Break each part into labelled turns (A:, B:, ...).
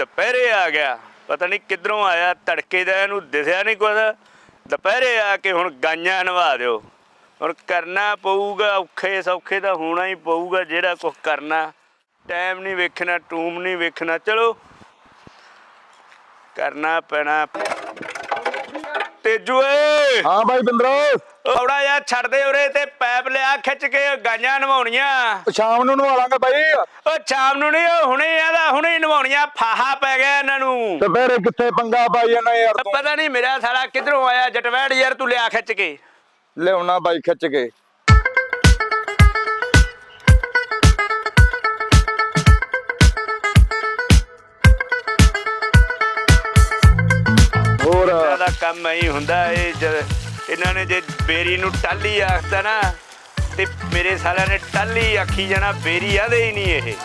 A: ਦੁਪਹਿਰੇ ਆ ਗਿਆ, ਪਤਾ ਨਹੀਂ ਕਿੱਧਰੋਂ ਆਇਆ, ਤੜਕੇ ਦਾ ਇਹਨੂੰ ਦਿਸਿਆ ਨਹੀਂ ਕੁਝ। ਦੁਪਹਿਰੇ ਆ ਕੇ ਹੁਣ ਗਾਈਆਂ ਨਵਾ ਦਿਓ। ਹੁਣ ਕਰਨਾ ਪਊਗਾ, ਔਖੇ ਸੌਖੇ ਤਾਂ ਹੋਣਾ ਹੀ ਪਊਗਾ ਜਿਹੜਾ ਕੁਛ ਕਰਨਾ। ਟਾਈਮ ਨਹੀਂ ਵੇਖਣਾ, ਟੂਮ ਨਹੀਂ ਵੇਖਣਾ, ਚਲੋ ਕਰਨਾ ਪੈਣਾ। ਤੇਜੂ ਏ,
B: ਹਾਂ ਬਾਈ ਬਿੰਦਰੋ,
A: ਥੋੜਾ ਜਿਹਾ ਛੱਡ ਦੇ ਉਰੇ ਤੇ ਪੈਪ ਲਿਆ ਖਿੱਚ ਕੇ, ਗਾਈਆਂ ਨਵਾਉਣੀਆਂ।
B: ਸ਼ਾਮ ਨੂੰ ਨਵਾ ਲਾਂਗੇ ਬਾਈ।
A: ਉਹ ਸ਼ਾਮ ਨੂੰ ਨਹੀਂ, ਉਹ ਹੁਣੇ ਆਦਾ, ਹੁਣੇ ਨਵਾਉਣੀਆਂ। ਫਾਹਾ ਪੈ ਗਿਆ ਇਹਨਾਂ ਨੂੰ।
B: ਤੇ ਫੇਰ ਕਿੱਥੇ ਪੰਗਾ ਪਾਈ ਜਾਂਦਾ ਯਾਰ ਤੂੰ?
A: ਪਤਾ ਨਹੀਂ ਮੇਰਾ ਸਾਲਾ ਕਿੱਧਰੋਂ ਆਇਆ ਜਟਵੈੜ ਯਾਰ, ਤੂੰ ਲਿਆ ਖਿੱਚ ਕੇ।
B: ਲਿਆਉਣਾ ਬਾਈ ਖਿੱਚ ਕੇ। ਹੋਰ
A: ਇਹਨਾਂ ਦਾ ਕੰਮ ਇਹੀ ਹੁੰਦਾ। ਇਹਨਾਂ ਨੇ ਜੇ ਬੇਰੀ ਨੂੰ ਟਾਲੀ ਆਖਤਾ ਨਾ, ਤੇ ਮੇਰੇ ਸਾਲਿਆਂ ਨੇ ਟਾਲੀ ਆਖੀ ਜਾਣਾ, ਬੇਰੀ ਆਦੇ ਹੀ ਨਹੀਂ ਇਹ।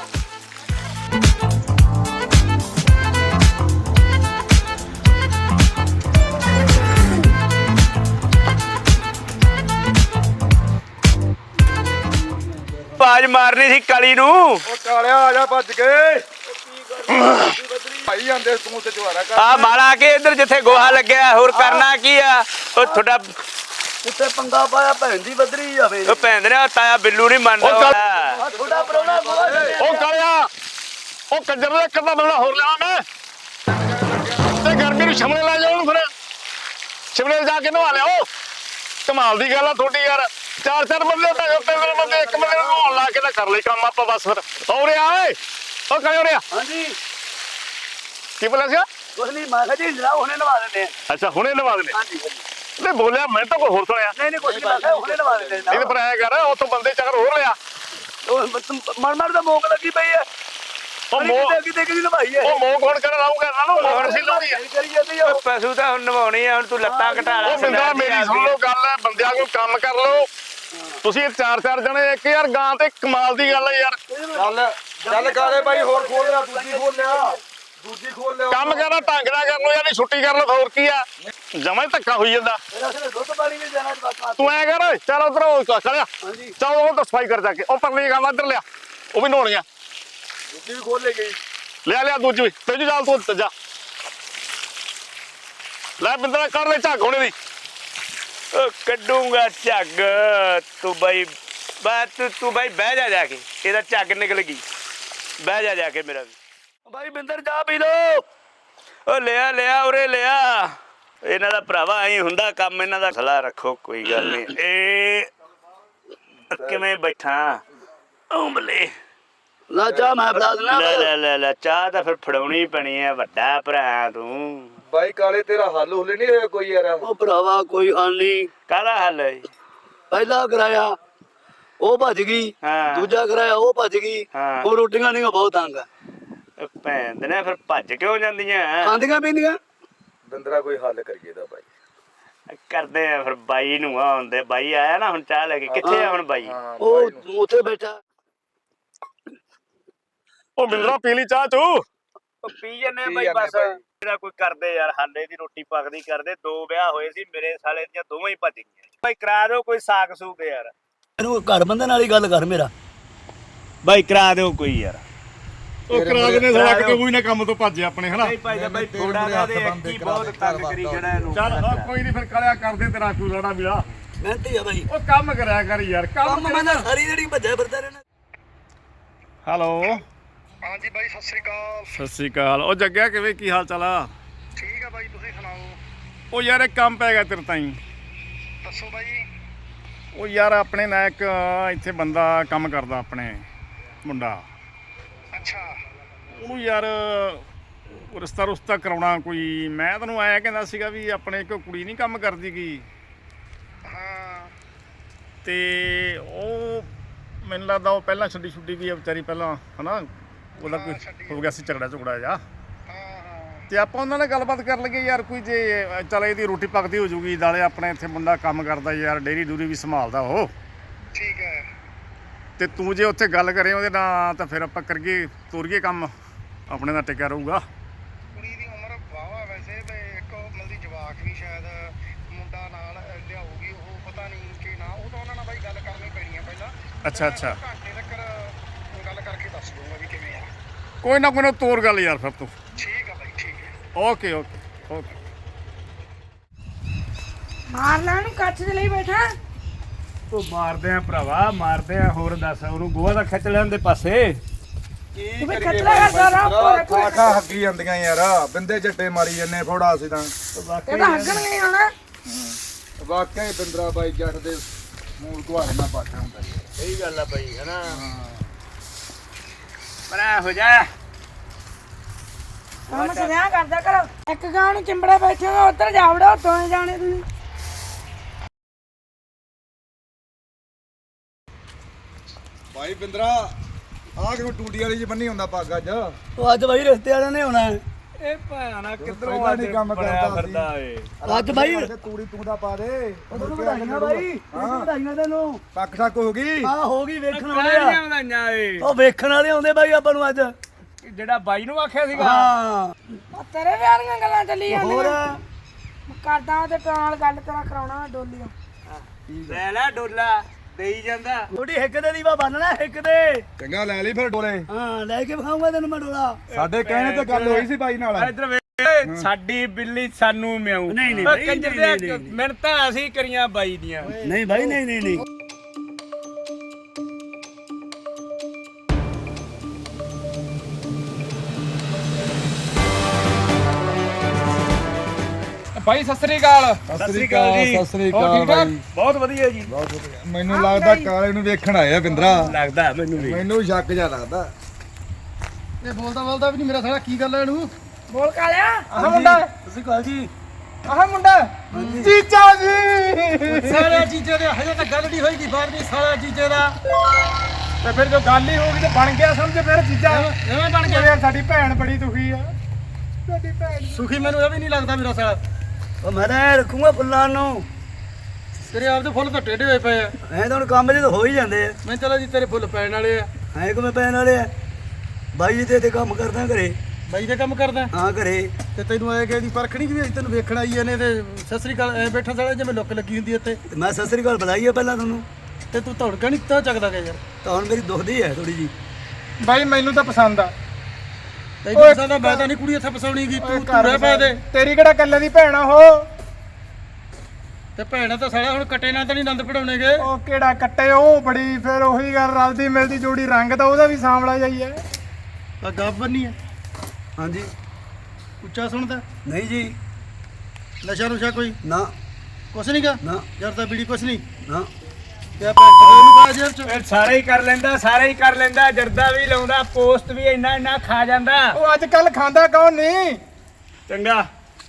A: ਆਵਾਜ਼ ਮਾਰਨੀ ਸੀ ਕਾਲੀ ਨੂੰ।
B: ਉਹ ਕਾਲਿਆ ਆ ਜਾ ਭੱਜ ਕੇ। ਭਾਈ ਜਾਂਦੇ ਤੂੰ ਤੇ ਜਵਾਰਾ ਕਰ।
A: ਆ ਮਾਲਾ ਕੇ ਇੱਧਰ ਜਿੱਥੇ ਗੋਹਾ ਲੱਗਿਆ, ਹੋਰ ਕਰਨਾ ਕੀ ਆ? ਉਹ ਤੁਹਾਡਾ
C: ਉੱਥੇ ਪੰਗਾ ਪਾਇਆ, ਭੈਣ ਦੀ ਬਦਰੀ ਜਾਵੇ।
A: ਉਹ ਭੈਣ ਨੇ ਤਾਇਆ ਬਿੱਲੂ ਨਹੀਂ ਮੰਨਦਾ।
C: ਥੋੜਾ ਪਰੋਣਾ ਗੋਹਾ
B: ਉਹ ਕਾਲਿਆ, ਉਹ ਕੰਜਰ ਦਾ ਕੱਦਾ ਬੰਦਾ ਹੋਰ ਲਿਆ ਮੈਂ ਤੇ ਗਰਮੀ ਨੂੰ ਸ਼ਿਮਲੇ ਲੈ ਜਾਓ ਉਹਨੂੰ। ਫਿਰ ਸ਼ਿਮਲੇ ਜਾ ਕੇ ਨਵਾ ਲਿਆਓ। ਕਮਾਲ ਦੀ ਗੱਲ ਆ ਤੁਹਾਡੀ ਯਾਰ। ਚਾਰ ਬੰਦੇ ਤਾਂ ਤਿੰਨ ਬੰਦੇ ਇੱਕ ਬੰਦੇ ਨੂੰ ਨਹਾਉਣ ਲਾ ਕੇ ਤਾਂ ਕਰ ਲਈ ਕੰਮ ਆਪਾਂ ਬਸ। ਫਿਰ ਹੋ ਰਿਹਾ ਓਏ, ਉਹ ਕਰਿਓ ਰਿਹਾ।
C: ਹਾਂਜੀ
B: ਕੀ ਬੋਲਿਆ ਸੀ?
C: ਕੁਛ ਨਹੀਂ, ਮੈਂ ਕਿਹਾ ਜੀ ਜਰਾ ਹੁਣੇ ਨਵਾ ਦਿੰਦੇ ਆ।
B: ਅੱਛਾ ਹੁਣੇ ਨਵਾ ਦੇਣੇ।
C: ਹਾਂਜੀ
B: ਨਹੀਂ ਬੋਲਿਆ, ਮੈਂ ਤਾਂ ਕੋਈ ਹੋਰ ਸੁਣਿਆ।
C: ਨਹੀਂ ਕੁਛ ਨਹੀਂ, ਮੈਂ ਕਿਹਾ ਹੁਣੇ ਨਵਾ ਦਿੰਦੇ
B: ਨਹੀਂ ਤੇ ਪਰ ਐ ਕਰ, ਉਹ ਤੋਂ ਬੰਦੇ ਚੱਕਰ ਹੋਰ ਲਿਆ।
C: ਮਰ ਦਾ ਮੋਕ ਲੱਗੀ ਪਈ ਹੈ।
B: ਉਹ ਮੋਕ
C: ਕਿਤੇ ਕਿ ਨਵਾਈ ਹੈ।
B: ਉਹ ਮੋਕ ਹੁਣ ਕਰ ਲਾਉਂਗਾ ਇਹਨਾਂ ਨੂੰ। ਮੋਕ ਸੀ ਲਾਉਂਦੀ ਆ।
C: ਕਰੀ ਜਾਂਦੀ ਆ।
A: ਪਸ਼ੂ ਤਾਂ ਹੁਣ ਨਵਾਉਣੀ ਆ। ਹੁਣ ਤੂੰ ਲੱਤਾਂ ਘਟਾ ਲੈ।
B: ਉਹ ਬਿੰਦਾ ਮੇਰੀ ਸੁਣ ਲਓ ਗੱਲ ਹੈ, ਬੰਦਿਆਂ ਕੋਲ ਕੰਮ ਕਰ ਲਓ ਤੁਸੀਂ। ਚਾਰ ਜਣੇ ਇੱਕ ਯਾਰ ਗਾਂ ਤੇ ਕਮਾਲ ਦੀ ਗੱਲ ਹੈ ਯਾਰ।
D: ਚੱਲ ਕਾਲੇ ਬਾਈ, ਹੋਰ ਖੋਲ ਲਿਆ, ਦੂਜੀ ਖੋਲ ਲਿਆ, ਦੂਜੀ ਖੋਲ ਲਿਆ।
B: ਕੰਮ ਕਰਨਾ ਢੰਗ ਨਾਲ ਕਰ ਲਓ ਯਾਰ, ਨਹੀਂ ਛੁੱਟੀ ਕਰ ਲਓ। ਹੋਰ ਕੀ ਆ, ਜਮਾ ਹੀ ਧੱਕਾ ਹੋਈ ਜਾਂਦਾ।
C: ਦੁੱਧ ਪਾਣੀ ਵੀ ਜਾਣਾ ਬਾਤ।
B: ਤੂੰ ਐ ਕਰ, ਚੱਲ ਉਧਰ ਚਲਿਆ,
C: ਹਾਂਜੀ
B: ਚੱਲ ਉਹ ਤਾਂ ਸਫਾਈ ਕਰ ਜਾ ਕੇ। ਉਹ ਪਰਲੀ ਗਾਂ ਇੱਧਰ ਲਿਆ, ਉਹ ਵੀ ਨਹਾਉਣੀਆਂ।
D: ਦੂਜੀ ਵੀ ਖੋਲ ਲੈ ਗਈ।
B: ਲਿਆ ਦੂਜੀ ਵੀ। ਤੇਜੂ ਚੱਲ ਤੂੰ ਜਾ ਲੈ। ਬਿੰਦਰਾ ਕਰ ਲੈ ਝੱਗ ਹੋਣੇ ਦੀ।
A: ਉਹ ਕੱਢੂਗਾ ਝੱਗ। ਤੂੰ ਬਾਈ ਤੂੰ ਬਾਈ ਬਹਿ ਜਾ ਕੇ, ਇਹਦਾ ਝੱਗ ਨਿਕਲ ਗਈ। ਬਹਿ ਜਾ ਕੇ ਮੇਰਾ ਵੀ।
C: ਬਾਈ ਬਿੰਦਰ ਚਾਹ ਪੀ ਲੋ।
A: ਉਹ ਲਿਆ ਉਰੇ ਲਿਆ। ਇਹਨਾਂ ਦਾ ਭਰਾਵਾ ਐਂ ਹੁੰਦਾ ਕੰਮ। ਇਹਨਾਂ ਦਾ ਖਲਾ ਰੱਖੋ, ਕੋਈ ਗੱਲ ਨਹੀਂ। ਇਹ ਕਿਵੇਂ ਬੈਠਾ ਉਂਬਲੇ।
C: ਲਾ ਚਾਹ ਮੈਂ ਫੜਾ ਦੇਣਾ।
A: ਲੈ ਚਾਹ ਤਾਂ ਫਿਰ ਫੜਾਉਣੀ ਪੈਣੀ ਹੈ, ਵੱਡਾ ਭਰਾ ਤੂੰ।
D: ਬਾਈ ਕਾਲੇ ਤੇਰਾ ਹੱਲ ਹੁੱਲ ਨਹੀਂ ਹੋਇਆ ਕੋਈ ਯਾਰ?
C: ਉਹ ਭਰਾਵਾ ਕੋਈ ਹੱਲ ਨਹੀਂ।
A: ਕਾਹਦਾ ਹੱਲ ਹੈ?
C: ਪਹਿਲਾ ਕਰਾਇਆ ਉਹ ਭੱਜ ਗਈ,
A: ਹਾਂ।
C: ਦੂਜਾ ਕਰਾਇਆ ਉਹ ਭੱਜ ਗਈ।
A: ਹਾਂ।
C: ਉਹ ਰੋਟੀਆਂ ਨਹੀਂ ਬਹੁਤ ਤੰਗ ਆ।
A: ਭੈਣ ਦੇ ਨੇ ਫਿਰ ਭੱਜ ਕਿਉਂ ਜਾਂਦੀਆਂ?
C: ਖਾਂਦੀਆਂ ਪੀਂਦੀਆਂ।
D: ਬਿੰਦਰਾ ਕੋਈ ਹੱਲ ਕਰੀਏ ਦਾ ਬਾਈ।
A: ਕਰਦੇ ਆ ਫਿਰ। ਬਾਈ ਨੂੰ ਆਉਂਦੇ, ਬਾਈ ਆਇਆ ਨਾ ਹੁਣ ਚਾਹ ਲੈ ਕੇ। ਕਿੱਥੇ ਆ ਹੁਣ ਬਾਈ?
C: ਉਹ ਉੱਥੇ ਬੈਠਾ।
B: ਉਹ ਬਿੰਦਰਾ ਪੀ ਲਈ ਚਾਹ ਤੂੰ।
A: ਪੀ ਜੰਨੇ ਬਾਈ ਬਸ। ਇਹਦਾ ਕੋਈ ਕਰਦੇ ਯਾਰ, ਹਾਲੇ ਦੀ ਰੋਟੀ ਪੱਕਦੀ ਕਰਦੇ। 2 ਵਿਆਹ ਹੋਏ ਸੀ ਮੇਰੇ ਸਾਲੇ ਦੀਆਂ, ਦੋਵੇਂ ਹੀ ਭੱਜ ਗਈਆਂ। ਬਾਈ ਕਰਾ ਦਿਓ ਕੋਈ ਸਾਕ ਸੂਕ ਯਾਰ।
C: ਇਹਨੂੰ ਘਰ ਬੰਦੇ ਨਾਲ ਹੀ ਗੱਲ ਕਰ ਮੇਰਾ।
A: ਬਾਈ ਕਰਾ ਦਿਓ ਕੋਈ ਯਾਰ।
B: ਉਹ ਕਰਾ ਦੇਣੇ ਸਾਲਾ, ਕਿਤੇ ਕੋਈ ਨਾ ਕੰਮ ਤੋਂ ਭੱਜੇ ਆਪਣੇ ਹਨਾ।
A: ਭਾਈ ਦਾ ਬਾਈ ਥੋੜਾ ਜਿਹਾ ਦੇ ਕੀ ਬਹੁਤ ਤੰਗ ਕਰੀ ਜਣਾ ਇਹਨੂੰ।
B: ਚੱਲ ਕੋਈ ਨਹੀਂ, ਫਿਰ ਕਰਿਆ ਕਰਦੇ ਤੇਰਾ ਕੋਈ ਰੜਾ ਵੀਰਾ।
C: ਮਿਹਨਤੀ ਆ ਬਾਈ।
B: ਉਹ ਕੰਮ ਕਰਿਆ ਕਰ ਯਾਰ।
C: ਕੰਮ ਮੈਂ ਤਾਂ ਸਾਰੀ ਜਿਹੜੀ ਭੱਜਿਆ ਫਿਰਦਾ ਰਹਿਣਾ।
B: ਹੈਲੋ
D: ਹਾਂਜੀ ਬਾਈ, ਸਤਿ ਸ੍ਰੀ ਅਕਾਲ।
B: ਸਤਿ ਸ੍ਰੀ ਅਕਾਲ। ਉਹ ਜੱਗਿਆ ਕਿਵੇਂ, ਕੀ ਹਾਲ ਚਾਲ ਆ?
D: ਠੀਕ ਆ ਬਾਈ, ਤੁਸੀਂ ਸੁਣਾਓ?
B: ਉਹ ਯਾਰ ਇੱਕ ਕੰਮ ਪੈ ਗਿਆ ਤੇਰੇ ਤਾਈਂ।
D: ਦੱਸੋ ਬਾਈ।
B: ਉਹ ਯਾਰ ਆਪਣੇ ਨਾਲ ਇੱਕ ਇੱਥੇ ਬੰਦਾ ਕੰਮ ਕਰਦਾ, ਆਪਣੇ ਮੁੰਡਾ।
D: ਅੱਛਾ।
B: ਉਹਨੂੰ ਯਾਰ ਰਿਸ਼ਤਾ ਕਰਾਉਣਾ ਕੋਈ। ਮੈਂ ਤੈਨੂੰ ਆਇਆ ਕਹਿੰਦਾ ਸੀਗਾ ਵੀ ਆਪਣੇ ਇੱਕ ਕੁੜੀ ਨਹੀਂ ਕੰਮ ਕਰਦੀ ਗੀ,
D: ਹਾਂ।
B: ਤੇ ਉਹ ਮੈਨੂੰ ਲੱਗਦਾ ਉਹ ਪਹਿਲਾਂ ਛੁੱਟੀ ਵੀ ਆ ਵਿਚਾਰੀ ਪਹਿਲਾਂ, ਹਨਾ। ਉਹਦਾ ਕੋਈ ਹੋ ਗਿਆ ਸੀ ਝਗੜਾ ਜਾ। ਤੇ ਆਪਾਂ ਉਹਨਾਂ ਨਾਲ ਗੱਲਬਾਤ ਕਰ ਲਈਏ ਯਾਰ। ਕੋਈ ਜੇ ਚੱਲ ਇਹਦੀ ਰੋਟੀ ਪੱਕਦੀ ਹੋ ਜੂਗੀ, ਨਾਲੇ ਆਪਣੇ ਇੱਥੇ ਮੁੰਡਾ ਕੰਮ ਕਰਦਾ ਯਾਰ, ਡੇਰੀ ਡੂਰੀ ਵੀ ਸੰਭਾਲਦਾ ਉਹ।
D: ਠੀਕ ਹੈ।
B: ਤੇ ਤੂੰ ਜੇ ਉੱਥੇ ਗੱਲ ਕਰੇ ਉਹਦੇ ਨਾਲ ਤਾਂ ਫਿਰ ਆਪਾਂ ਕਰੀਏ, ਤੋਰੀਏ ਕੰਮ, ਆਪਣੇ ਦਾ ਟਿਕਿਆ ਰਹੂਗਾ।
D: ਕੁੜੀ ਦੀ ਉਮਰ ਵਾਵਾ ਵੈਸੇ, ਤੇ ਇੱਕ ਮਿਲਦੀ ਜਵਾਕ ਵੀ ਸ਼ਾਇਦ ਮੁੰਡਾ ਨਾਲ ਲਿਆਊਗੀ। ਉਹ ਪਤਾ ਨਹੀਂ ਕਿ ਨਾ, ਉਹ ਤਾਂ ਉਹਨਾਂ ਨਾਲ ਬਾਈ ਗੱਲ ਕਰਨੀ ਪੈਣੀ ਹੈ ਪਹਿਲਾਂ।
B: ਅੱਛਾ
D: ਘੰਟੇ ਤੱਕ ਗੱਲ ਕਰਕੇ ਦੱਸ ਦੂੰਗਾ ਵੀ ਕਿਵੇਂ ਆ।
B: ਕੋਈ ਨਾ ਤੋਰ ਗੱਲ ਯਾਰ ਫਿਰ ਤੂੰ।
D: ਠੀਕ ਆ ਬਾਈ ਠੀਕ ਹੈ।
B: Okay okay okay.
E: ਮਾਰ ਲੈਣ ਕੱਚ ਦੇ ਲਈ ਬੈਠਾ।
A: ਉਹ ਮਾਰਦੇ ਆ ਭਰਾਵਾ ਮਾਰਦੇ ਆ। ਹੋਰ ਦੱਸ ਉਹਨੂੰ ਗੋਹਾ ਦਾ ਖਿੱਚ ਲੈਣ ਦੇ ਪਾਸੇ।
E: ਤੂੰ ਵੀ ਖੱਟਲਾ ਕਰਦਾ ਰਹਾ
F: ਖਾ ਹੱਕੀ ਜਾਂਦੀਆਂ ਯਾਰ ਬਿੰਦੇ ਝੱਟੇ ਮਾਰੀ ਜੰਨੇ ਫੋੜਾ ਅਸੀਂ ਤਾਂ
E: ਇਹਦਾ ਹੱਗਣ ਨਹੀਂ ਆਣਾ।
F: ਵਾਕਿਆ ਹੀ ਬਿੰਦਰਾ ਬਾਈ ਜੱਟ ਦੇ ਮੂਲ ਘੁਆੜੇ ਨਾਲ ਪਾਟਾ ਹੁੰਦਾ ਜੀ।
A: ਸਹੀ ਗੱਲ ਆ ਬਾਈ ਹਨਾ। ਬਣਾ ਹੋ ਜਾ।
E: ਕੰਮ ਸਿਧਿਆ ਕਰਦਾ ਕਰੋ। ਇੱਕ ਗਾਂ ਨੂੰ ਚਿੰਬੜਾ ਬੈਠੇ ਹੋ ਉੱਧਰ ਜਾ ਵੜੋ ਦੋਵੇਂ ਜਾਣੇ ਤੁਸੀਂ।
F: ਬਾਈ ਬਿੰਦਰਾ ਆਹ ਕਿਉਂ ਟੂਟੀ ਵਾਲੀ ਜੀ ਬੰਨੀ ਹੁੰਦਾ ਪੱਗ ਅੱਜ
C: ਉਹ ਅੱਜ ਬਾਈ ਰਸਤੇ ਵਾਲਿਆਂ ਨੇ ਹੋਣਾ ਹੈ।
A: ਇਹ ਭਾਣਾ ਕਿੱਧਰੋਂ
F: ਪਹਿਲਾਂ ਨੀ ਕੰਮ
A: ਬਣਿਆ
F: ਕਰਦਾ
A: ਫਿਰਦਾ ਏ।
C: ਅੱਜ ਬਾਈ
F: ਤੂੜੀ ਤੂੰ ਦਾ ਪਾ ਦੇ
C: ਉਹਨੂੰ ਵਧਾਈਆਂ ਬਾਈ ਵਧਾਈਆਂ ਤੈਨੂੰ।
F: ਪੱਕ ਠੱਕ ਹੋ ਗਈ
C: ਆ ਹੋ ਗਈ ਵੇਖਣ ਵਾਲੇ
A: ਕਾਹਦੀਆਂ
C: ਆ।
A: ਵਧਾਈਆਂ ਏ।
C: ਉਹ ਵੇਖਣ ਵਾਲੇ ਆਉਂਦੇ ਬਾਈ ਆਪਾਂ ਨੂੰ ਅੱਜ।
A: ਜਿਹੜਾ ਬਾਈ ਨੂੰ ਆਖਿਆ ਸੀਗਾ।
C: ਹਾਂ
E: ਉਹ ਤੇਰੇ ਵਿਆਹ ਦੀਆਂ ਗੱਲਾਂ ਚੱਲੀ
C: ਹੋਰ
E: ਜਾਂਦੀਆਂ। ਕਰਦਾ ਤੇ ਪਿਓ ਨਾਲ ਗੱਲ ਤੇਰਾ ਕਰਾਉਣਾ ਡੋਲੀਓ।
A: ਲੈ ਲੈ ਡੋਲਾ ਦੇਈ ਜਾਂਦਾ।
C: ਥੋੜੀ ਹਿੱਕ ਦੇ ਦੀਵਾ ਬੰਨਣਾ ਹਿੱਕ ਦੇ।
F: ਚੰਗਾ ਲੈ ਲਈ ਫਿਰ ਡੋਲੇ
C: ਹਾਂ ਲੈ ਕੇ ਵਿਖਾਉਂਗਾ ਤੈਨੂੰ ਮੈਂ ਡੋਲਾ।
F: ਸਾਡੇ ਕਹਿਣੇ ਤੇ ਗੱਲ ਹੋਈ ਸੀ ਬਾਈ ਨਾਲ
A: ਇੱਧਰ ਵੇਖ ਸਾਡੀ ਬਿੱਲੀ ਸਾਨੂੰ ਮਿਆਉ।
C: ਨਹੀਂ, ਨਹੀਂ
A: ਓਏ
C: ਬਾਈ,
A: ਕੰਜਰ
C: ਨਹੀਂ,
A: ਦੇ
C: ਨਹੀਂ।
A: ਮਿਹਨਤਾਂ ਅਸੀਂ ਕਰੀਆਂ ਬਾਈ ਦੀਆਂ।
C: ਨਹੀਂ ਬਾਈ ਨਹੀਂ।
B: ਬਾਈ ਸਤਿ ਸ੍ਰੀ ਅਕਾਲ।
F: ਸਤਿ ਸ੍ਰੀ ਅਕਾਲ ਜੀ ਸਤਿ ਸ੍ਰੀ
B: ਹੋਰ
F: ਅਕਾਲ
B: ਠੀਕ ਠਾਕ?
F: ਬਾਈ
A: ਬਹੁਤ ਵਧੀਆ ਜੀ।
F: ਬਹੁਤ ਵਧੀਆ ਮੈਨੂੰ ਲੱਗਦਾ ਕਾਲੇ ਨੂੰ ਵੇਖਣ ਆਏ ਆ ਬਿੰਦਰਾ
A: ਲੱਗਦਾ ਮੈਨੂੰ ਵੀ।
F: ਮੈਨੂੰ ਸ਼ੱਕ ਜਿਹਾ ਲੱਗਦਾ
D: ਇਹ ਬੋਲਦਾ ਵੀ ਨਹੀਂ ਮੇਰਾ ਸਾਲਾ ਕੀ ਗੱਲ ਹੈ ਇਹਨੂੰ।
E: ਬੋਲ ਕਾਲਿਆ।
B: ਆਹ ਮੁੰਡਾ
C: ਤੁਸੀਂ ਕਹਾਂ ਜੀ
B: ਆਹ ਮੁੰਡਾ ਚੀਚਾ ਜੀ।
D: ਸਾਲੇ ਜੀਜੇ ਦੇ ਹਜੇ ਤਾਂ ਗੱਲ ਨਹੀਂ ਹੋਈਗੀ ਬਾਹਰ ਦੀ ਸਾਲਾ ਜੀਜੇ ਦਾ
B: ਤੇ ਫਿਰ ਜੋ ਗੱਲ ਹੀ ਹੋ ਗਈ ਤੇ ਬਣ ਗਿਆ ਸਮਝ ਫਿਰ ਚੀਚਾ।
D: ਐਵੇਂ ਬਣ ਗਿਆ।
B: ਯਾਰ ਸਾਡੀ ਭੈਣ ਬੜੀ ਦੁਖੀ ਆ। ਸਾਡੀ ਭੈਣ
D: ਸੁਖੀ ਮੈਨੂੰ ਇਹ ਵੀ ਨਹੀਂ ਲੱਗਦਾ ਮੇਰਾ ਸਾਲਾ।
C: ਉਹ ਮੈਂ ਤਾਂ ਐਂ ਰੱਖੂਗਾ ਫੁੱਲਾਂ ਨੂੰ।
D: ਤੇਰੇ ਆਪ ਦੇ ਫੁੱਲ ਤਾਂ ਟੇਢੇ ਹੋਏ ਪਏ ਆ।
C: ਐ ਤਾਂ ਹੁਣ ਕੰਮ ਜੇ ਤਾਂ ਹੋ ਹੀ ਜਾਂਦੇ ਆ।
D: ਮੈਂ ਚਲੋ ਜੀ ਤੇਰੇ ਫੁੱਲ ਪੈਣ ਵਾਲੇ ਆ।
C: ਐ ਕਿਵੇਂ ਪੈਣ ਵਾਲੇ ਆ। ਬਾਈ ਜੀ ਤੇ ਇੱਥੇ ਕੰਮ ਕਰਦਾ ਘਰੇ।
D: ਬਾਈ ਦੇ ਕੰਮ ਕਰਦਾ
C: ਹਾਂ ਘਰੇ।
D: ਤੇ ਤੈਨੂੰ ਆਏ ਗਏ ਦੀ ਪਰਖਣੀ ਕਿ ਵੀ ਅਸੀਂ ਤੈਨੂੰ ਵੇਖਣ ਆਈ ਇਹਨੇ ਤੇ ਸਤਿ ਸ੍ਰੀ ਅਕਾਲ ਐ ਬੈਠਾ ਸਾਲਾ ਜਿਵੇਂ ਲੁੱਕ ਲੱਗੀ ਹੁੰਦੀ ਇੱਥੇ।
C: ਤੇ ਮੈਂ ਸਤਿ ਸ੍ਰੀ ਅਕਾਲ ਬੁਲਾਈ ਆ ਪਹਿਲਾਂ ਤੁਹਾਨੂੰ।
D: ਤੇ ਤੂੰ ਧੌੜਕਾ ਨਹੀਂ ਤਾਂ ਚੱਕਦਾ ਗਿਆ ਯਾਰ।
C: ਤਾਂ ਹੁਣ ਮੇਰੀ ਦੁਖਦੀ ਹੈ ਥੋੜੀ ਜੀ।
B: ਬਾਈ ਮੈਨੂੰ ਤਾਂ ਪਸੰਦ ਆ।
D: ਤੈਨੂੰ ਪਸੰਦ ਆ ਮੈਂ ਤਾਂ ਨਹੀਂ ਕੁੜੀ ਇੱਥੇ ਫਸਾਉਣੀ ਗੀ ਤੂੰ ਰਹਿ ਪਾ ਦੇ।
B: ਤੇਰੀ ਕਿਹੜਾ ਕੱਲੇ ਦੀ ਭੈਣ ਆ ਉਹ।
D: ਤੇ ਭੈਣਾ ਤਾਂ ਸਾਲਾ ਹੁਣ ਕੱਟੇ ਨਾਲ ਤਾਂ ਨਹੀਂ ਆਨੰਦ ਪੜਾਉਣੇਗੇ।
B: ਉਹ ਕਿਹੜਾ ਕੱਟੇ ਉਹ ਬੜੀ ਫਿਰ ਉਹੀ ਗੱਲ ਰਲਦੀ ਮਿਲਦੀ ਜੋੜੀ ਰੰਗ ਤਾਂ ਉਹਦਾ ਵੀ ਸਾਂਵਲਾ ਜਾਈ ਹੈ।
D: ਆ ਗੱਬ ਬੰਨੀ ਆ
C: ਹਾਂਜੀ
D: ਉੱਚਾ ਸੁਣਦਾ
C: ਨਹੀਂ ਜੀ
D: ਨਸ਼ਾ ਨੁਸ਼ਾ ਕੋਈ
C: ਨਾ
D: ਕੁਛ ਨਹੀਂ ਗਾ
C: ਨਾ
D: ਯਾਰ ਤਾਂ ਬੀੜੀ ਕੁਛ ਨਹੀਂ
C: ਨਾ।
D: ਤੇ ਆ ਭੈਣ ਤੇ ਨੂੰ ਪਾ ਜੇਬ ਚ।
A: ਫਿਰ ਸਾਰੇ ਹੀ ਕਰ ਲੈਂਦਾ ਸਾਰੇ ਹੀ ਕਰ ਲੈਂਦਾ। ਜਰਦਾ ਵੀ ਲਾਉਂਦਾ ਪੋਸਟ ਵੀ ਇੰਨਾ ਖਾ ਜਾਂਦਾ।
B: ਉਹ ਅੱਜ ਕੱਲ ਖਾਂਦਾ ਕੌਣ ਨਹੀਂ।
A: ਚੰਗਾ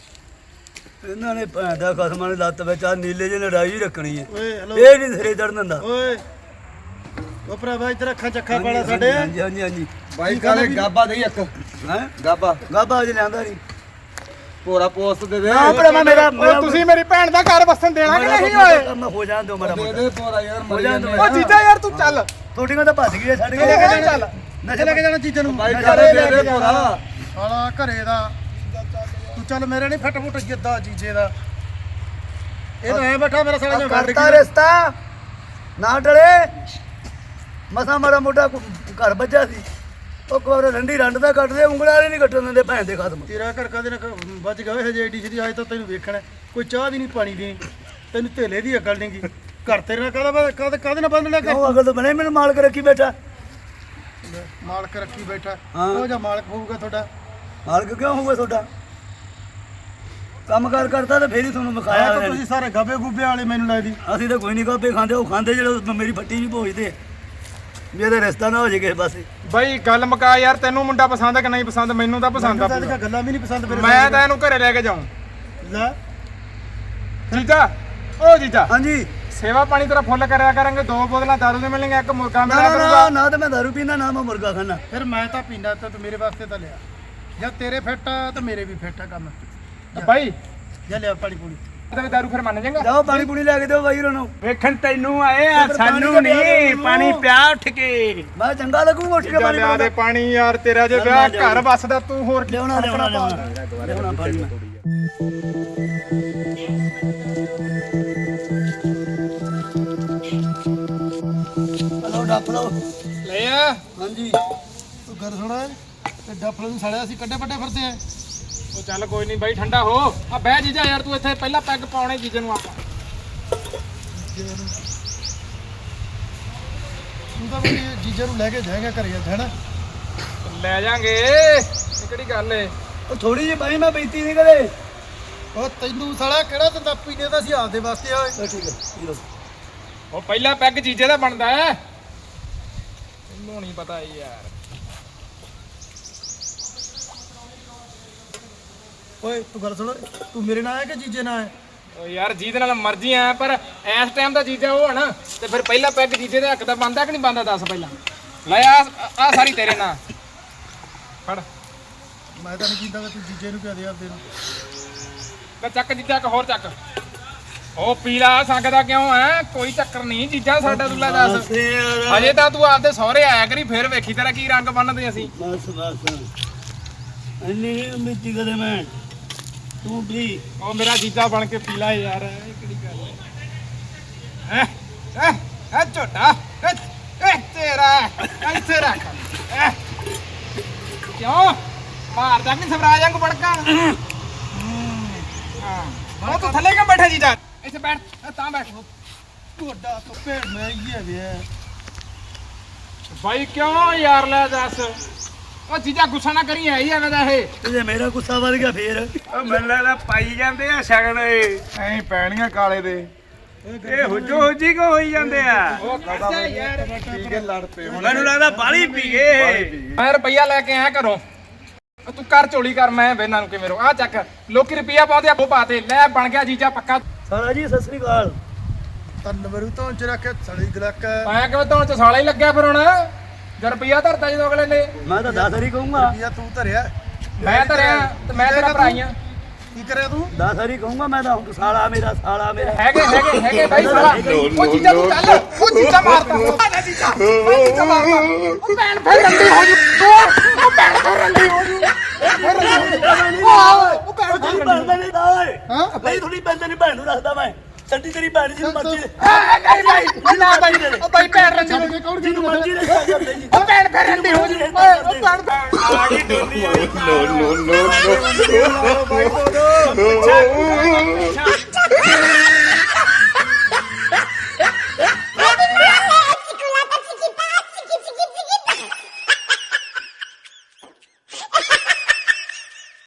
C: ਇਹਨਾਂ ਨੇ ਭੈਣ ਦਾ ਖਸਮਾਂ ਨੇ ਲੱਤ ਵਿੱਚ ਆ ਨੀਲੇ ਜਿਹੇ ਲੜਾਈ ਰੱਖਣੀ ਹੈ।
D: ਓਏ ਹੈਲੋ
C: ਇਹ ਨਹੀਂ ਸਿਰੇ ਚੜਨ ਦਿੰਦਾ।
D: ਓਏ ਉਹ ਭਰਾਵਾ ਇੱਧਰ ਅੱਖਾਂ ਚੱਖਾਂ ਵਾਲਾ ਸਾਡੇ
C: ਹਾਂਜੀ ਹਾਂਜੀ
F: ਬਾਈ ਕਾਲੇ ਗਾਬਾ ਦੇ ਇੱਕ
C: ਹੈ
F: ਗਾਬਾ
C: ਗਾਬਾ ਅਜ ਲਿਆਂਦਾ ਨਹੀਂ।
F: ਭੋਰਾ ਪੋਸਟ ਦੇ ਦੇ
C: ਨਾ ਭਰਾ ਮੇਰਾ
B: ਉਹ ਤੁਸੀਂ ਮੇਰੀ ਭੈਣ ਦਾ ਘਰ ਵਸਣ ਦੇਣਾ ਕਿ ਨਹੀਂ ਓਏ।
C: ਮੈਂ ਹੋ ਜਾਣ ਦਿਓ ਮੇਰਾ
F: ਦੇ
C: ਮੁੰਡਾ।
F: ਦੇ ਭੋਰਾ ਯਾਰ ਮਰ
C: ਜਾਣ
F: ਜਾਂਦੇ
C: ਦਿਓ।
B: ਉਹ ਜੀਜਾ ਯਾਰ ਤੂੰ ਚੱਲ।
C: ਤੁਹਾਡੀਆਂ ਤਾਂ ਭੱਜ ਗਈਆਂ ਛੱਡ
B: ਲੈ ਕੇ
C: ਕੇ
B: ਚੱਲ।
C: ਨਸ਼ੇ ਲੈ ਕੇ ਜਾਣਾ
D: ਚੀਜ਼ਾਂ ਨੂੰ
F: ਬਾਈ
C: ਮੈਂ
F: ਕਾਲੇ
C: ਲੈ
F: ਦੇ
C: ਕੇ
F: ਦੇ ਭੋਰਾ
D: ਸਾਲਾ ਘਰੇ ਦਾ ਤੂੰ ਚੱਲ ਮੇਰੇ ਨਹੀਂ ਫਟ ਫੁੱਟ ਜਿੱਦਾਂ ਜੀਜੇ ਦਾ ਇਹ ਤਾਂ ਐ ਬੈਠਾ ਮੇਰਾ ਸਾਲਾ ਜਿਵੇਂ ਵੱਢ
C: ਕਰਤਾ
D: ਗਿਆ।
C: ਰਿਸ਼ਤਾ ਨਾ ਟਲੇ। ਮਸਾ ਮਾੜਾ ਮੋਟਾ ਘਰ ਬੱਜਾ ਸੀ। ਉਹ ਕੋਰ ਰੰਡੀ ਰੰਡ ਦਾ ਕੱਟਦੇ ਉਂਗਲਾਂ ਵਾਲੇ ਨਹੀਂ ਕੱਟਣ ਦਿੰਦੇ ਭੈਣ ਦੇ ਖਸਮ।
D: ਤੇਰਾ ਘਰ ਕਦੇ ਨਾ ਵੱਜ ਗਏ ਹਜੇ ਏਡੀ ਛੇਤੀ ਆਏ ਤਾਂ ਤੈਨੂੰ ਵੇਖਣਾ ਕੋਈ ਚਾਹ ਦੀ ਨਹੀਂ ਪਾਣੀ ਦੀ ਤੈਨੂੰ ਧੇਲੇ ਦੀ ਅਕਲ ਨਹੀਂਗੀ ਘਰ ਤੇਰੇ ਨਾਲ ਕਾਹਦੇ ਨਾਲ ਬੰਨ ਲਿਆ
C: ਕਿਉਂ ਅਗਲ ਤਾਂ ਬਣੇ ਮੈਨੂੰ ਮਾਲਕ ਰੱਖੀ ਬੈਠਾ।
D: ਮਾਲਕ ਰੱਖੀ ਬੈਠਾ
C: ਹਾਂ।
D: ਉਹ ਜਾਂ ਮਾਲਕ ਹੋਊਗਾ ਤੁਹਾਡਾ।
C: ਮਾਲਕ ਕਿਉਂ ਹੋਊਗਾ ਤੁਹਾਡਾ। ਕੰਮ ਕਾਰ ਕਰਦਾ ਤਾਂ ਫੇਰ ਹੀ ਤੁਹਾਨੂੰ
D: ਆਇਆ
C: ਵਿਖਾਇਆ
D: ਤਾਂ
C: ਉਹਨੇ।
D: ਤੁਸੀਂ ਸਾਰੇ ਗਾਬੇ ਗੁੱਬੇ ਵਾਲੇ ਮੈਨੂੰ ਲੱਗਦੀ।
C: ਅਸੀਂ ਤਾਂ ਕੋਈ ਨਹੀਂ ਕਾਪੇ ਖਾਂਦੇ। ਉਹ ਖਾਂਦੇ ਜਿਹੜੇ ਮੇਰੀ ਫੱਟੀ ਵੀ ਭੋਜਦੇ ਵੀ ਇਹਦਾ ਰਿਸ਼ਤਾ ਨਾ ਹੋ ਜੇ ਕਿਸੇ ਪਾਸੇ।
B: ਬਾਈ ਗੱਲ ਮੁਕਾ ਯਾਰ ਤੈਨੂੰ ਮੁੰਡਾ ਪਸੰਦ ਆ ਕਿ ਨਹੀਂ ਪਸੰਦ। ਮੈਨੂੰ ਤਾਂ ਪਸੰਦ ਆ
D: ਤਾਂ
B: ਪੂਰਾ।
D: ਗੱਲਾਂ ਵੀ ਨਹੀਂ ਪਸੰਦ ਮੇਰੇ
B: ਮੈਂ ਤਾਂ ਇਹਨੂੰ ਘਰੇ ਲੈ ਕੇ ਜਾਉਂ।
D: ਲੈ
B: ਜੀਜਾ ਓ ਜੀਜਾ
C: ਹਾਂਜੀ
B: ਸੇਵਾ ਪਾਣੀ ਤੇਰਾ ਫੁੱਲ ਕਰਿਆ ਕਰਾਂਗੇ। 2 ਬੋਤਲਾਂ ਦਾਰੂ ਦੀਆਂ ਮਿਲਣਗੀਆਂ ਇੱਕ ਮੁਰਗਾ
C: ਨਾ
B: ਮਿਲਿਆ
C: ਨਾ
B: ਕਰੂਗਾ।
C: ਨਾ ਤਾਂ ਮੈਂ ਦਾਰੂ ਪੀਂਦਾ ਨਾ ਮੈਂ ਮੁਰਗਾ ਖਾਣਾ।
D: ਫਿਰ ਮੈਂ ਤਾਂ ਪੀਂਦਾ ਤਾਂ ਤੂੰ ਮੇਰੇ ਵਾਸਤੇ ਤਾਂ ਲਿਆ ਜਾਂ ਤੇਰੇ ਫਿੱਟ ਆ ਤਾਂ ਮੇਰੇ ਵੀ ਫਿੱਟ ਆ ਕੰਮ।
B: ਬਾਈ
D: ਜਾਂ ਲਿਆ ਪਾਣੀ ਪੂਣੀ
B: ਤੇ ਦਾਰੂ ਫਿਰ ਮੰਨ ਜਾਏਗਾ।
C: ਜਾਓ ਪਾਣੀ ਪੂਣੀ ਲੈ ਕੇ ਦਿਓ ਬਾਈ ਉਹਨਾਂ ਨੂੰ।
A: ਵੇਖਣ ਤੈਨੂੰ ਆਏ ਆ
C: ਫਿਰ ਪਾਣੀ
A: ਸਾਨੂੰ
C: ਤਾਂ ਪਿਆ ਦਿਓ
A: ਨਹੀਂ
C: ਉਹਨੂੰ।
A: ਪਾਣੀ ਪਿਆ ਉੱਠ ਕੇ।
C: ਮੈਂ ਚੰਗਾ ਲੱਗੂ ਉੱਠ ਕੇ
B: ਜੀਜਾ
C: ਪਾਣੀ
B: ਲਿਆ ਦੇ
C: ਪੀਣਾ।
B: ਪਾਣੀ ਯਾਰ ਤੇਰਾ ਜੇ ਵਿਆਹ ਘਰ ਵਸਦਾ ਤੂੰ ਹੋਰ ਕੀ
C: ਲਿਆਉਣਾ ਪਾਣੀ ਮੈਂ। ਹਲੋ ਡੱਪ ਲਓ।
B: ਲੈ ਆ।
C: ਹਾਂਜੀ
D: ਤੂੰ ਗੱਲ ਸੁਣਾ
F: ਕਿੱਡਾ ਫਲ ਨੂੰ ਸੜਿਆ ਸੀ ਕੱਡੇ ਵੱਡੇ ਫਿਰਦੇ ਆ।
G: ਉਹ ਚੱਲ ਕੋਈ ਨਹੀਂ ਬਾਈ ਠੰਡਾ ਹੋ ਆ ਬਹਿ ਜੀਜਾ ਯਾਰ ਤੂੰ ਇੱਥੇ ਪਹਿਲਾਂ ਪੈਗ ਪਾਉਣੇ ਜੀਜੇ ਨੂੰ ਆਪਾਂ
F: ਤੂੰ ਤਾਂ ਵੀ ਜੀਜੇ ਨੂੰ ਲੈ ਕੇ ਜਾਏਗਾ ਘਰੇ ਅੱਜ ਹੈਨਾ।
G: ਲੈ ਜਾਾਂਗੇ ਇਹ ਕਿਹੜੀ ਗੱਲ ਏ
C: ਉਹ ਥੋੜੀ ਜਿਹੀ ਬਾਈ ਮੈਂ ਪੀਤੀ ਨਹੀਂ ਕਦੇ।
F: ਉਹ ਤੈਨੂੰ ਸਾਲਾ ਕਿਹੜਾ ਦਿੰਦਾ ਪੀਣੇ ਦਾ ਸੀ ਆਪਦੇ ਵਾਸਤੇ ਓਏ।
C: ਠੀਕ ਹੈ ਪੀ ਲਓ।
G: ਉਹ ਪਹਿਲਾ ਪੈਗ ਜੀਜੇ ਦਾ ਬਣਦਾ ਹੈ ਤੈਨੂੰ ਨਹੀਂ ਪਤਾ ਯਾਰ।
F: ਓਏ ਤੂੰ ਗੱਲ ਸੁਣ, ਤੂੰ ਮੇਰੇ ਨਾਲ ਆਇਆ ਕਿ ਜੀਜੇ ਨਾਲ ਆਇਆ?
G: ਓ ਯਾਰ ਜਿਹਦੇ ਨਾਲ ਮਰਜ਼ੀ ਆ ਪਰ ਇਸ ਟਾਈਮ ਦਾ ਜੀਜਾ ਉਹ ਹੈ ਨਾ ਤੇ ਫਿਰ ਪਹਿਲਾ ਪੈਗ ਜੀਜੇ ਦੇ ਹੱਕ ਦਾ ਬਣਦਾ ਕਿ ਨਹੀਂ ਬਣਦਾ ਦੱਸ ਪਹਿਲਾਂ। ਲੈ ਆ ਸਾਰੀ ਤੇਰੇ ਨਾਲ ਫੜ
F: ਮੈਂ ਤਾਂ ਨਹੀਂ ਕੀਤਾ ਤੂੰ ਜੀਜੇ ਨੂੰ ਕਿਹਾ ਦੇ ਆਪਦੇ ਨੂੰ।
G: ਲੈ ਚੱਕ ਜੀਜਾ ਇੱਕ ਹੋਰ ਚੱਕ। ਉਹ ਪੀਲਾ ਸੰਗਦਾ ਕਿਉਂ ਐ ਕੋਈ ਚੱਕਰ ਨਹੀਂ ਜੀਜਾ ਸਾਡਾ ਤੂੰ ਲੈ ਦੱਸ।
C: ਬਸ ਯਾਰ
G: ਅਜੇ ਤਾਂ ਤੂੰ ਆਪਦੇ ਸਹੁਰੇ ਆਇਆ ਕਰੀ ਫਿਰ ਵੇਖੀ ਤੇਰਾ ਕੀ ਰੰਗ ਬੰਨਦੇ ਅਸੀਂ।
C: ਬਸ ਇੰਨੀ ਨਹੀਂ ਮਿੱਟੀ ਕਦੇ ਮੈਂ ਤੂੰ ਵੀ
G: ਉਹ ਮੇਰਾ ਜੀਜਾ ਬਣ ਕੇ ਪੀ ਲੈ ਯਾਰ ਇਹ ਕਿਹੜੀ ਗੱਲ ਹੈ ਐ ਝੋਟਾ ਐ ਤੇਰਾ ਇੱਥੇ ਰੱਖ ਕਿਉਂ ਮਾਰਦਾ ਕਿ ਸਵਰਾਜ ਵਾਂਗ ਬੜਕਾ ਹਾਂ ਉਹ ਤੂੰ ਥੱਲੇ ਕਿਉਂ ਬੈਠਾ ਜੀਜਾ ਇੱਥੇ ਬੈਠ ਤਾਂ ਬੈਠ
F: ਤੁਹਾਡਾ ਤਾਂ ਭੇੜ ਮੈਂ ਹੀ ਹੈ ਵੇ।
G: ਬਾਈ ਕਿਉਂ ਯਾਰ ਲੈ ਦੱਸ ਉਹ ਜੀਜਾ ਗੁੱਸਾ ਨਾ ਕਰੀ ਐ ਐਵੇਂ ਦਾ ਇਹ
C: ਜੇ ਮੇਰਾ ਗੁੱਸਾ ਵੱਧ ਗਿਆ ਫੇਰ
A: ਉਹ ਮੈਨੂੰ ਲੱਗਦਾ ਪਾਈ ਜਾਂਦੇ ਆ ਸ਼ਗਨ
F: ਐਂ ਪੈਣੀਆਂ ਕਾਲੇ ਦੇ
A: ਇਹ ਹੁਜੋ ਹੁਜੀ ਕੋ ਹੋਈ ਜਾਂਦੇ ਆ।
G: ਉਹ ਕਰਦਾ ਯਾਰ
F: ਪੀ ਕੇ ਲੜ ਪਏ ਹੁਣ।
A: ਮੈਨੂੰ ਲੱਗਦਾ ਬਾਲੀ ਪੀ ਗਏ।
G: ਮੈਂ ਰੁਪਈਆ ਲੈ ਕੇ ਆਇਆ ਘਰੋਂ ਤੂੰ ਕਰ ਝੋਲੀ ਕਰ ਮੈਂ ਵੇਨਾਂ ਨੂੰ ਕਿਵੇਂ ਰੋ ਆ ਚੱਕ ਲੋਕੀ ਰੁਪਈਆ ਪਾਉਂਦੇ ਆ ਉਹ ਪਾਤੇ ਲੈ ਬਣ ਗਿਆ ਜੀਜਾ ਪੱਕਾ।
C: ਸਾਲਾ ਜੀ ਸਤਿ ਸ੍ਰੀ ਅਕਾਲ।
F: ਤਨ ਵਰੂ ਤੋਂ ਚ ਰੱਖਿਆ ਸੜੀ ਗਲਕ।
G: ਆਇਆ ਕਿਵੇਂ ਧੌਣ ਚ ਸਾਲਾ ਹੀ ਲੱਗਿਆ ਫਿਰ ਹੁਣ ਜੇ ਰੁਪਈਆ ਧਰਤਾ ਜਦੋਂ ਅਗਲੇ ਨੇ
C: ਮੈਂ ਤਾਂ 10 ਵਾਰੀ ਕਹੂੰਗਾ
F: ਯਾ ਤੂੰ ਧਰਿਆ
G: ਮੈਂ ਧਰਿਆ ਤੇ ਮੈਂ ਤੇਰਾ ਭਰਾਈਆਂ
F: ਕੀ ਕਰਿਆ ਤੂੰ?
C: 10 ਵਾਰੀ ਕਹੂੰਗਾ ਮੈਂ ਤਾਂ ਹੁਣ ਸਾਲਾ ਮੇਰਾ
G: ਹੈਗੇ ਬਾਈ ਸਾਲਾ ਉਹ ਜੀਜਾ ਤੂੰ ਚੱਲ ਉਹ ਜੀਜਾ ਮਾਰਦਾ ਉਹ ਜੀਜਾ ਮਾਰਦਾ ਉਹ ਭੈਣ ਫਿਰ ਰੰਡੀ ਹੋ ਜੂ ਉਹ ਭੈਣ ਫਿਰ ਰੰਡੀ ਹੋ ਜੂ ਉਹ ਭੈਣ
C: ਤੇਰੀ ਭੈਣ ਦਾ ਨਹੀਂ ਦਾ ਓਏ
F: ਹਾਂ?
C: ਨਹੀਂ ਥੋੜੀ ਭੈਣ ਨਹੀਂ ਭੈਣ ਨੂੰ ਰੱਖਦਾ ਮੈਂ ਛੱਡੀ ਤੇਰੀ ਭੈਣ ਜੀ ਨੂੰ ਮਰਜ਼ੀ ਦੇ
G: ਨਹੀਂ ਬਾਈ ਨਾ ਬਾਈ ਉਹ ਬਾਈ ਭੈਣ ਰੰਡੀ ਹੋ ਜੂ
C: ਜਿਹਨੂੰ ਮਰਜ਼ੀ ਦੇ ਕਰਦੇ ਜੀ
G: ਉਹ ਭੈਣ ਫਿਰ ਰੰਡੀ ਹੋ ਜੂ ਉਹ ਭੈਣ
A: ਆ ਗਈ ਡੋਲੀ
F: ਨੋ ਨੋ ਨੋ ਨੋ।
A: ਪਿੱਛਾ